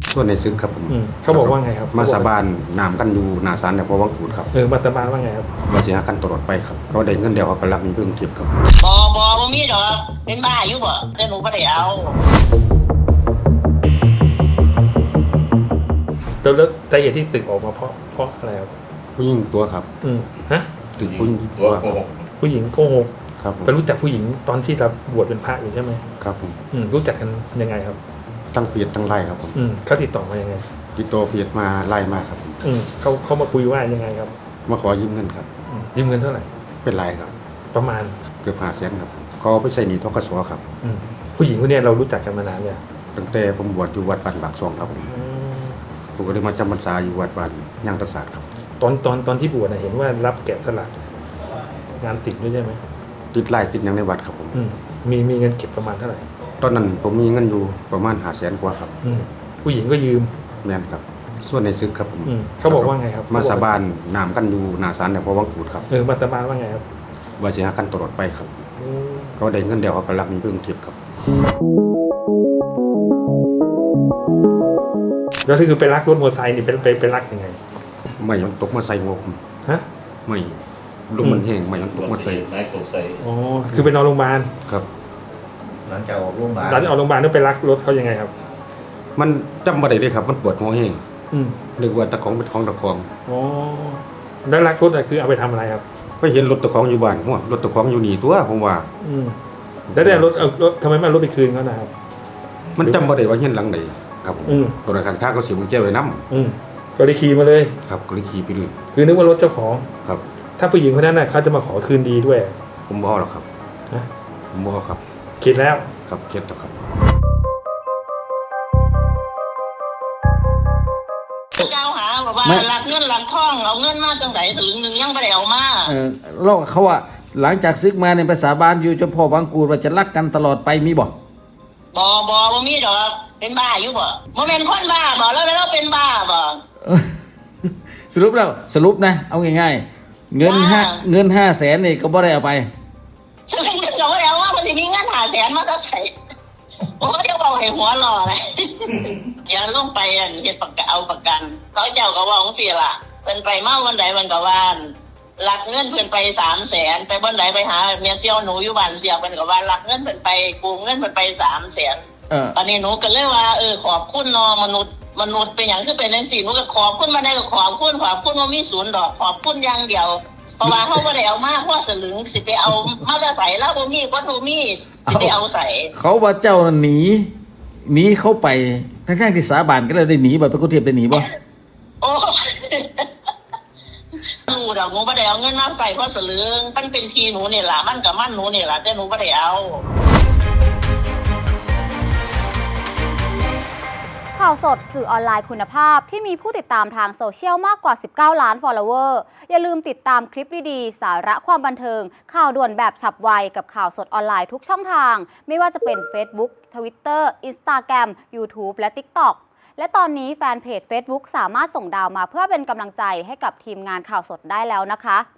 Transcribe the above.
ส่วนในซึกครับผมเขาบอกว่าไงครับมาสาบานนามกันอยู่นาศาลเนี่ยพอวังกูดครับมาสาบานว่าไงครับว่าสิหากันตลอดไปครับเขาได้เงินเดียวเขาก็รับมีเพิ่งเก็บครับบ่มีดอกเป็นบ้าอยู่บ่แต่หนูบ่ได้เอาแล้วสาเหตุที่ตึกออกมาเพราะอะไรครับผู้หญิงตัวครับฮะตึกผู้หญิงตัวผู้หญิงโกหกครับไปรู้จักผู้หญิงตอนที่เราบวชเป็นพระอยู่ใช่ไหมครับผมรู้จักกันยังไงครับตั้งเฟียดตั้งไล่ครับผมเขาติดต่อมายังไงติดต่อเฟียดมาไล่มาครับผมเขามาคุยว่ายังไงครับมาขอยืมเงินครับยืมเงินเท่าไหร่เป็นไรครับประมาณเกือบ500,000ครับเขาไปใช้หนี้ธกส.ครับผู้หญิงคนนี้เรารู้จักกันมานานเนี่ยตั้งแต่ผมบวชอยู่วัดบ้านบากซองครับผมก็ได้มาจำพรรษาอยู่วัดบ้านย่างตะศาสตร์ครับตอนที่บวชเห็นว่ารับแกะสลักงานติดด้วยใช่ไหมติดไล่ติดยังในวัดครับผมมีเงินเก็บประมาณเท่าไหร่ตอนนั้นผมมีเงินอยู่ประมาณ500,000 กว่าครับผู้หญิงก็ยืมแม่นครับส่วนในซึกครับผมเขาบอกว่าไงครับมาสาบานนามกันอยู่นาศาลเนี่ยพอวังกูดครับมาสาบานว่าไงครับว่าสิหากันตลอดไปครับเขาได้เงินเดียวเขาก็รับมีเพิ่งเก็บครับแล้วคือไปรักรถมอเตอร์ไซค์นี่ไปรักยังไงไม่ยังตกมาใส่หัวผมฮะไม่ลมมันแห้งไม่ยังตกมาใส่ไม้ตกใส่คือไปนอนโรงพยาบาลครับหลังจากออกโรงพยาบาลแล้วไปรักรถเขายังไงครับมันจำบ่ได้เลยครับมันปวดหัวแห้งนึกว่าตะของเป็นของตะของแล้วรักรถคือเอาไปทำอะไรครับไปเห็นรถตะของอยู่บ้านหัวรถตะของอยู่นี่ตัวผมว่าแล้วได้รถทำไมไม่เอารถไปคืนเขานะครับมันจำบ่ได้ว่าเห็นหลังไหนครับธนาคารค้าเขาเสียมันแก้ไว้น้ก็เลยขี่มาเลยครับก็เลยขี่ไปเลยคือนึกว่ารถเจ้าของครับถ้าผู้หญิงคนนั้นน่ะเขาจะมาขอคืนดีด้วยผมบ่หรอกครับผมบ่ครับคิดแล้วครับคิดแล้วครับเจ้าหาบอกว่าหลักเงินหลักทองเอาเงินมาจังไหนถึงนึงยังไม่ได้เอามาโลกเขาว่าหลังจากซึกมาในภาษาบ้านอยู่เจ้าพ่อวังกูดว่าจะรักกันตลอดไปมีบ่มีดอกเป็นบ้าอยู่บ่บ่แม่นคนบ้าบ่แล้วเป็นบ้าบ่สรุปนะเอาง่ายๆเงิน500,000นี่ก็บ่ได้เอาไปฉันก็บ่ได้เอาว่ามันสิมีเงิน500,000มาจากไสโอ้ยจะบอกให้หัวหล่อเลยอย่าลงไปเฮ็ดประกันเอาประกันเขาเจ้าก็ว่าจังซี่ล่ะเพิ่นไปมาวันใดมันก็ว่าหลักเงินเพิ่นไป300,000ไปบ่ไหนไปหาเมียเสี่ยวหนูอยู่บ้านเสี่ยวเพิ่นก็ว่าหลักเงินเพิ่นไปกู้เงินเพิ่นไป300,000ตอนนี้หนูก็เลยว่าขอบคุณเนาะมนุษย์เป็นหยังคือเป็นจังซี่หนูก็ขอบคุณมาได้ก็ขอบคุณว่ามีศูนย์ดอกขอบคุณอย่างเดียวเพราะว่าเฮาบ่ได้เอามาเพราะสลึงสิไปเอามาจะใส่แล้วบ่มีบ่ถูมีสิไปเอาใส่เขาว่าเจ้าหนีเข้าไปทั้งที่สาบานก็เลยได้หนีบ่ไปกุเทียบได้หนีบ่โอ้หนูดอกหนูบ่ได้เอาเงินมาใส่เพราะสลึงมันเป็นทีหนูนี่ล่ะมันก็มันหนูนี่ล่ะแต่หนูบ่ได้เอาข่าวสดสื่อออนไลน์คุณภาพที่มีผู้ติดตามทางโซเชียลมากกว่า19 ล้าน follower อย่าลืมติดตามคลิปดีๆสาระความบันเทิงข่าวด่วนแบบฉับไวกับข่าวสดออนไลน์ทุกช่องทางไม่ว่าจะเป็น Facebook Twitter Instagram YouTube และ TikTok และตอนนี้แฟนเพจ Facebook สามารถส่งดาวมาเพื่อเป็นกำลังใจให้กับทีมงานข่าวสดได้แล้วนะคะ